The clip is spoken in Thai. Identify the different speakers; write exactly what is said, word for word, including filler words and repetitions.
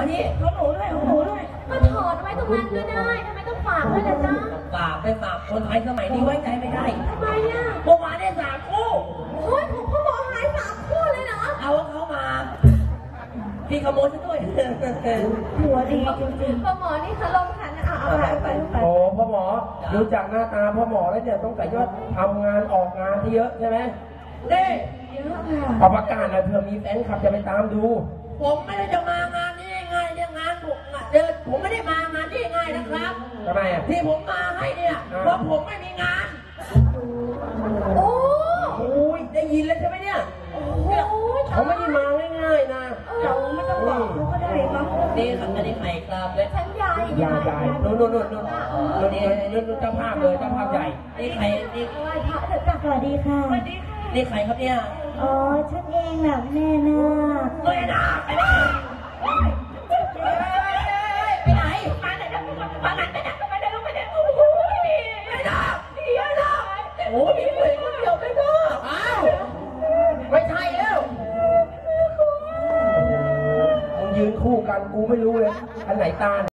Speaker 1: นี่
Speaker 2: ของหนูด้วยของหนูด้วย
Speaker 3: ก็ถอดไว้ตรงนั้นก็ได้ทำไมต้องฝากด้วยล่ะจ๊ะ
Speaker 1: ฝากไปฝากคนไทยสมัยนี้ไว้ใจไม่ได้
Speaker 3: ทำไมอ่ะ
Speaker 1: เมื่อวานได้สามคู่
Speaker 3: โอ้ยผมพ่อหมอหายสามคู่เลยเหรอ
Speaker 1: เอาเขามาพี่ขโมยซะด้วย
Speaker 2: หัวดีจริง
Speaker 3: ๆพ่อหมอนี่เขาลงขันอ่ะเอาไปไปไป
Speaker 4: โอ้พ่อหมอดูจากหน้าตาพ่อหมอแล้วเนี่ยต้องแต่ยอดทำงานออกงานที่เยอะใช่ไหมเด้เอาประกาศนะเธอมีแฟนคลับจะไปตามดู
Speaker 1: ผมไม่ได้จะมางานนี้ง่ายเนี่ยงานผมเดินผมไม่ได้มางานนี้ง่ายนะครับ
Speaker 4: ทำไมอ่ะ
Speaker 1: ที่ผมมาให้เนี่ยเพราะผมไม่มีงาน
Speaker 3: โอ้
Speaker 4: โอ้ยได้ยินแล้วใช่ไหมเนี่ยเขาไม่ได้มาง่ายๆนะ
Speaker 2: เราไม่ต้องบอกเขาก็ได้มั้ง
Speaker 1: นี่ครับอันนี้ไข่ครับเลย
Speaker 3: ฉันยาย
Speaker 4: ยายยายนู่นนู่นนู่นนู่นนู่นนี่นู่นเจ้าภาพเลยเจ้าภาพใหญ่
Speaker 1: นี่ไข่นี่
Speaker 3: ไหว้พระเถอะจ้ะ
Speaker 2: สวัสดีค่ะ
Speaker 3: สวัสดีค่ะ
Speaker 1: นี่ไข่ครับเนี่ย
Speaker 2: อ๋อฉันเองน่ะแม่นา
Speaker 1: แม่นาไปไหนไปไหนมาไหนมาไหนไปไหนไปไหนไปไหนโอ้โหไม่ได้เดี๋ยวนะโอ้ยมีคนเดียวไม่ได้อ้าวไม่ใช่แล้ว
Speaker 4: มึงยืนคู่กันกูไม่รู้เลยอันไหนตา